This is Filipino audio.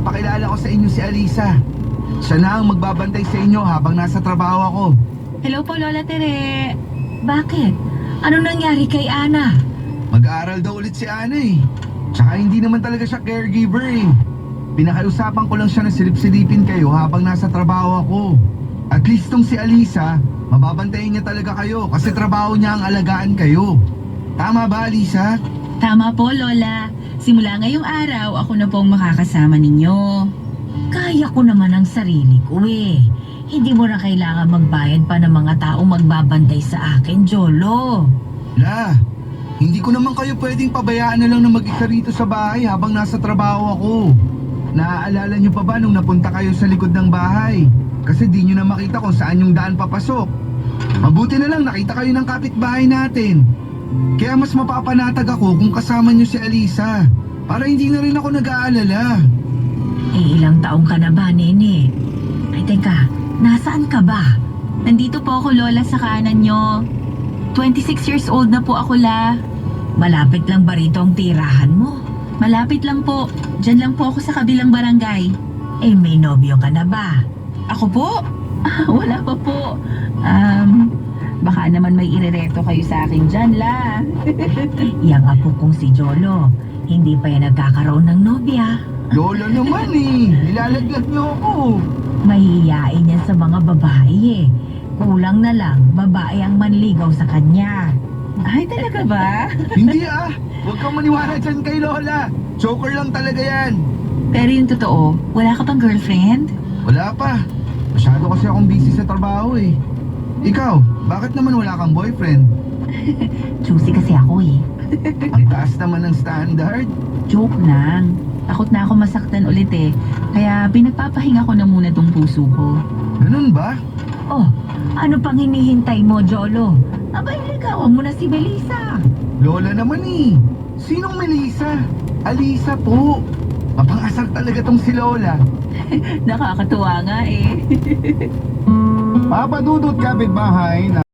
ipapakilala ko sa inyo si Alisa. Siya na ang magbabantay sa inyo habang nasa trabaho ako. Hello po, Lola Tere. Bakit? Ano nangyari kay Ana? Mag-aaral daw ulit si Ana eh. Tsaka hindi naman talaga siya caregiver eh. Pinakiusapan ko lang siya na silip-silipin kayo habang nasa trabaho ako. At least tong si Alisa, mababantayin niya talaga kayo kasi trabaho niya ang alagaan kayo. Tama ba, Alisa? Tama po, Lola. Simula ngayong araw, ako na pong makakasama ninyo. Kaya ko naman ang sarili ko eh. Hindi mo na kailangan magbayad pa ng mga taong magbabantay sa akin, Jolo. La, hindi ko naman kayo pwedeng pabayaan na lang na mag-isa rito sa bahay habang nasa trabaho ako. Naaalala niyo pa ba nung napunta kayo sa likod ng bahay? Kasi di niyo na makita kung saan yung daan papasok. Mabuti na lang nakita kayo ng kapitbahay natin. Kaya mas mapapanatag ako kung kasama niyo si Alisa. Para hindi na rin ako nag-aalala. Eh, ilang taong ka na ba, Nene? Ay, teka, nasaan ka ba? Nandito po ako, Lola, sa kanan nyo. 26 years old na po ako, La. Malapit lang ba rito ang tirahan mo? Malapit lang po. Diyan lang po ako sa kabilang barangay. Eh, may nobyo ka na ba? Ako po? Wala pa po. Baka naman may irereto kayo sa akin dyan, La. Yang apo kong si Jolo, hindi pa yan nagkakaroon ng nobya. Lola naman eh, nilalaglag niyo ako. Mahihiyain yan sa mga babae eh. Kulang na lang, babae ang manligaw sa kanya. Ay, talaga ba? Hindi ah, huwag kang maniwala dyan kay Lola. Joker lang talaga yan. Pero yung totoo, wala ka pang girlfriend? Wala pa. Masyado kasi akong busy sa trabaho eh. Ikaw, bakit naman wala kang boyfriend? Choosy kasi ako eh. Ang taas naman ng standard. Joke lang. Takot na ako masaktan ulit eh. Kaya pinagpapahinga ko na muna tong puso ko. Ganun ba? Oh, ano pang hinihintay mo, Jolo? Abay, ligawan mo na si Melissa. Lola naman eh. Sinong Melissa? Alisa po. Mapang-asar talaga tong si Lola. Nakakatuwa nga eh. Papadudot kapitbahay na